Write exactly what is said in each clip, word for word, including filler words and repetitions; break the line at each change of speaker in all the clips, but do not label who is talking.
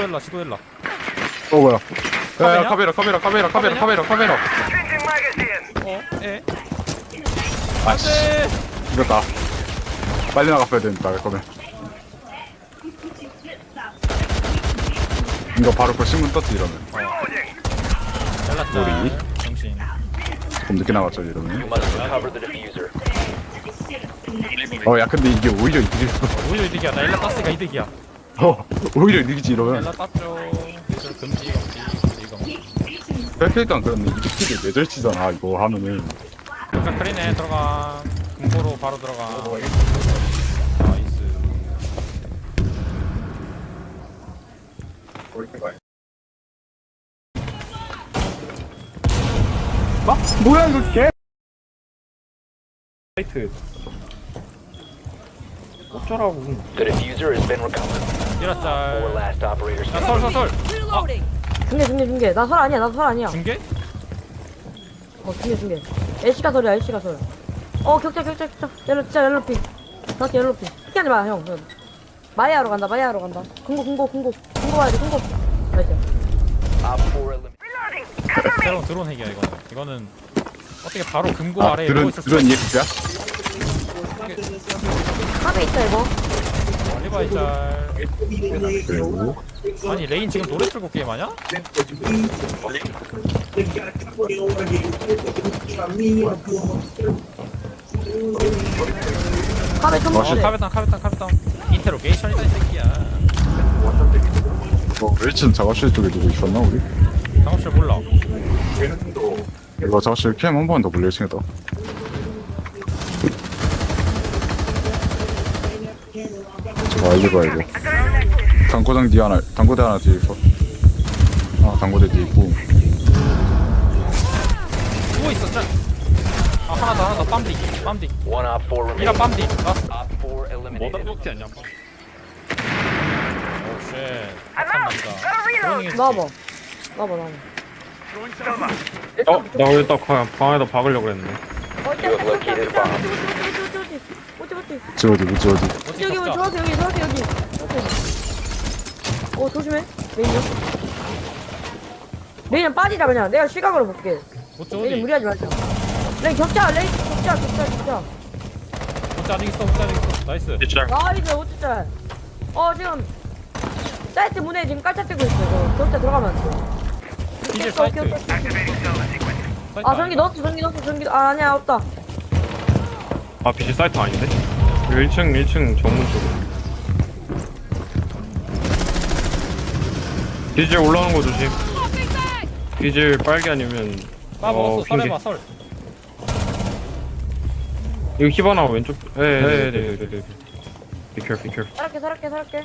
일라 지도 일라.
어 뭐야? 야,
카메라?
야 카메라 카메라 카메라 카메라 카메라 카메라.
어? 에?
아씨
안돼.
이겼다. 빨리 나갔어야 되니까 그러면. 이거 바로 그 신문 떴지 이러면.
잘났다.
우리?
정신.
조금 늦게 나갔죠 이러면.
Must recover the diffuser.
어 야 근데 이게 오히려 이득이었어.
오히려 이득이야. 나 일라 땄으니까 이득이야.
어 오히려 이득이지 이러면.
일라 땄죠. 예절 금지 금지 금지 금지.
뺄테니까 그런데 이득이 뇌절치잖아 이거 하면은.
자 크리네 들어가. 금고로 바로 들어가. 나이스.
막 뭐야 이거 개.
사이트 어쩌라고.
The diffuser has been recovered. Four
이라짤.
last operators
야
standing.
설설설. 아
중계 중계 중계 나 설 아니야 나 설 아니야
중계?
어 중계 중계 애쉬가 설이야 애쉬가 설어 격자 격자 격자 옐로 진짜 옐로피 정확히 옐로피 피하지 마형 마이아로 간다 마이아로 간다 금고 금고 금고 금고 와야 돼 금고 나이스
Op four eliminated.
새로운 드론 핵이야 이거는. 이거는 어떻게 바로 금고
아
아래에
드론
누워 있을
드론
수
이엑스야?
탑에 있다 이거
리바이 짤.
그리고
아니 레인 지금 노래 틀고 게임하냐?
탑에 좀
어
먹어
카베탄 카베탄 카베탄. 인테로게이션이다 이 새끼야.
뭐 일 층 작업실 쪽에 누구 있었나 우리?
작업실 몰라.
이거 작업실 캠 한 번 더 불려 일 층에다. 저거 알리바 이거. 당구장 뒤 하나, 당구대 하나 뒤에 있어. 아 당구대 뒤에 있고.
누워 있어 짤. 아 하나 더 하나 더 빰디 빰디.
One op four
이라
remaining.
빰디. 라스트.
Op four eliminated.
아니야? 오쉣. 착한 남자. 그러닝
넣어봐 넣어봐 넣어봐
어? 나 원래 딱 방, 방에다 박으려고 그랬는데.
어 있다 있다 있다 있다 있다 어찌 어찌
지 어디 뭐지 어디.
어디
여기 여기
격자?
정확히 여기 정확히 여기 어 조심해 메인이요 메인은 빠지자 그냥 내가 시각으로 볼게
어디
레인
어디?
무리하지 말자 레인 격자 레인 격자 격자 격자
어디 아직 있어 어디 아직 있어. 나이스.
진짜
나이스 어쩌자 어 지금 사이트 문에 지금 깔짝대고 있어 이거 격자 들어가면 안돼
디젤 사이트.
아 전기 넣었어 전기 넣었어 전기 아 아니야 없다
아 비실 사이트 아닌데? 일 층 일 층 정문 쪽으로 디젤 올라오는 거 조심. 디젤 빨개 아니면
빠 먹었어. 설
핑계.
해봐 설.
이거 히바나 왼쪽. 네네네네네. Be careful, be careful.
살았게 살았게 살았게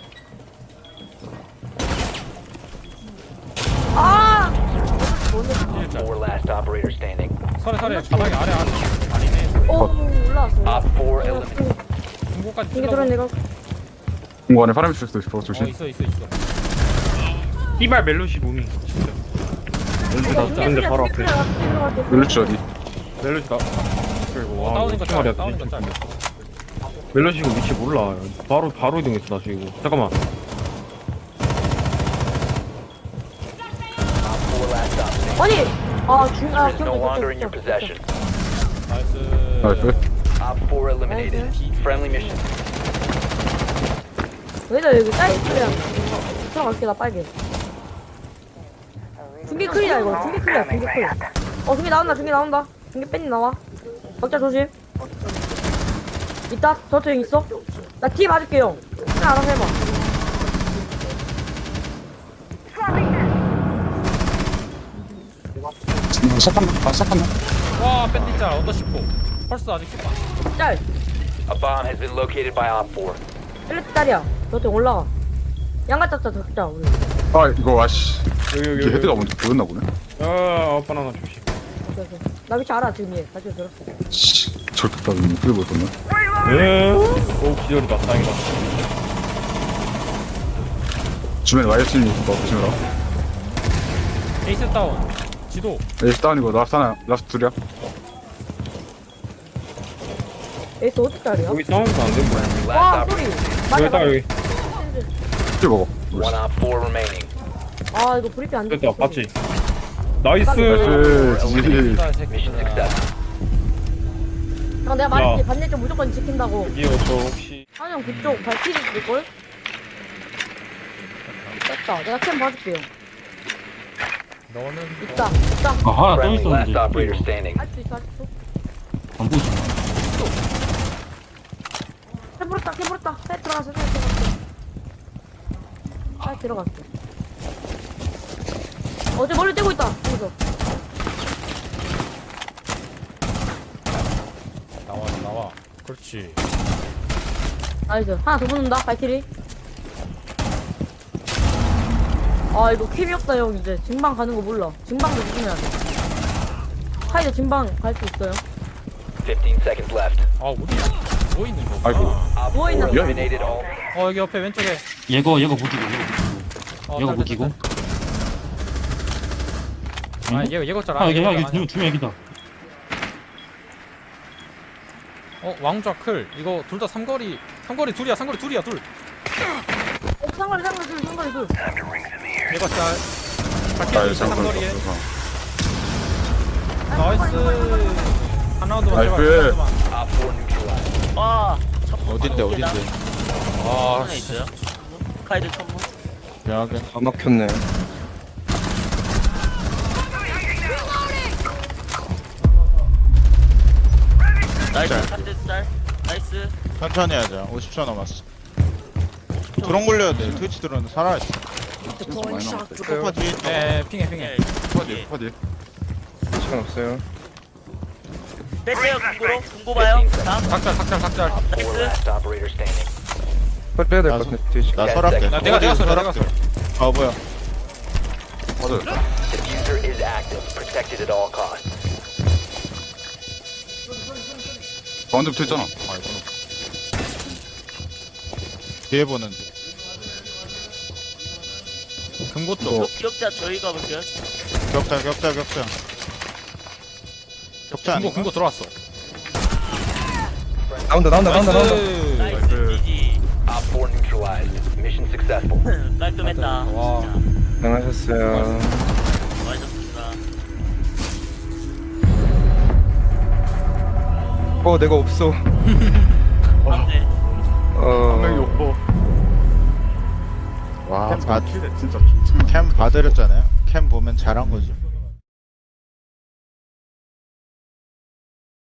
아
Four last operators standing.
설에 설에 바닥에 아래 아래. 아니네.
오 올라왔어
Op four eliminated.
중고까지
이게
찔러고.
들어온 내가
공고 안에 사람 있을 수도 있어
어
조심.
있어 있어 있어.
히발 멜로시 무밍. 멜로시 나 근데 바로 앞에.
멜루치 어디?
멜로시 나. 그리고 와
다운인 거
무슨 말이야
짤. 다운인 거 짤.
멜로시 이거 위치 몰라. 바로 바로 이동했어 나 지금. 잠깐만.
Op four last op.
아니 아중아
Is no longer in your possession.
나이스.
나이스.
Op four eliminated. Friendly mission.
왜냐 여기 사이트랑 들어갈게 나 빨개 중계 클리야 이거 중계 클리야 중계 클어 중계 나온다 중계 나온다 중계 뺀이 나와 격자 조심 있다 저쪽 있어 나 뒤에 봐줄게 형 그냥 알아서 해봐
시작한다. 아 시작한다.
와 밴디 짤 언더 십포. 펄스 아직 십 번.
짤
A bomb has been located by Op four.
일레트 짤이야 저쪽 올라가 양가 짰자 격자 우리
아 이거 아씨.
여기 여기
이게
여기.
헤드가 먼저 보였나 보네.
아 바나나 조심.
오케이 오케이 나 위치 알아 지금 얘 다시 들었어
씨 저렇게 따지면 크게 보였었네.
에? 오 기절이다. 다행이다.
주변에 와이어친이 있을 거 조심해라.
에이스 다운. 지도.
에이스 다운이고 라스트 하나 라스트 둘이야.
에이스 어디 짤이야?
여기 싸움도 안 되고.
Last
와
operator.
소리
여기 딱 여기.
킬 먹어.
One Op four remaining.
아 이거 브리핑 안
됐다
됐어.
봤지? 나이스.
나이스 지지.
Mission
새끼들아.
success.
형 내가 말했지 반대쪽 무조건 지킨다고.
여기요 저 혹시
한영 그쪽 발키리 있을걸? 됐다. 내가 캠 봐줄게요.
너는
있다. 있다.
아 하나 또
Friendly last
있었는데
operator standing.
할 수 있어 할 수 있어.
안 보이지?
캠 불었다 캠 불었다. 해 들어갔어 해 들어갔어. 해 들어갔어. 어제 머리 떼고 있다. 여기서.
나와 나와. 그렇지.
나이스. 하나 더 붙는다 발키리. 아 이거 캠이 없다 형 이제 증방 가는 거 몰라. 증방도 조심해야 돼. 하이드 증방 갈 수 있어요.
fifteen seconds left.
아 어디 뭐 있는 거?
아이고.
Op
누워 있는
four
거.
eliminated all.
어 여기 옆에 왼쪽에.
얘거 얘거 무기고 얘거
어,
얘거
딸,
무기고
딸, 딸. 아 얘가 얘가 잘
아 여기
아니야.
여기 두명 여기다
어 왕좌 클. 이거 둘 다 삼거리. 삼거리 둘이야. 삼거리 둘이야 둘.
어, 상거리 상거리 둘 상거리 둘.
얘가 잘. 발키리
잘
있어 삼거리에.
잠깐.
나이스. 하나도
나이스.
Op four neutralized.
아,
어딘데 어딘데
아
하나 있어요? 카이드 천문.
미안하게
다 막혔네.
나이스, 카이드 짤. 나이스.
천천히 하자 오십 초 남았어 드론 굴려야 돼 트위치 드론 살아있어
많이 남았다.
초코파지
에 핑해 핑해.
퍼디 퍼디.
시간 없어요.
뺐어요, 궁고로. 궁고 봐요. 다음.
닭잘 닭잘 닭잘.
Four last operator standing.
빨리 빼야 될
나
것 같은데. 뒤에
나 설할게
나 내가 내가 써 내가 써.
아 뭐야
퍼디.
Diffuser is active. Protected at all costs.
가운데 붙어있잖아. 아 이거.
뒤에 보는데
금고 쪽.
뭐.
기억자 저희가 볼게요.
격자 격자 격자 격자
금고
아닌가?
금고 들어왔어.
나온다 나온다 나온다 나온다.
나이스.
나이스, 지지.
Op four neutralized. Mission successful.
깔끔했다.
와.
진짜.
고생하셨어요.
수고하셨습니다.
어 내가 없어.
네.
분명히
어.
오퍼.
와
캠
바,
킬 진짜.
캠 봐드렸잖아요 캠 보면 잘한 거죠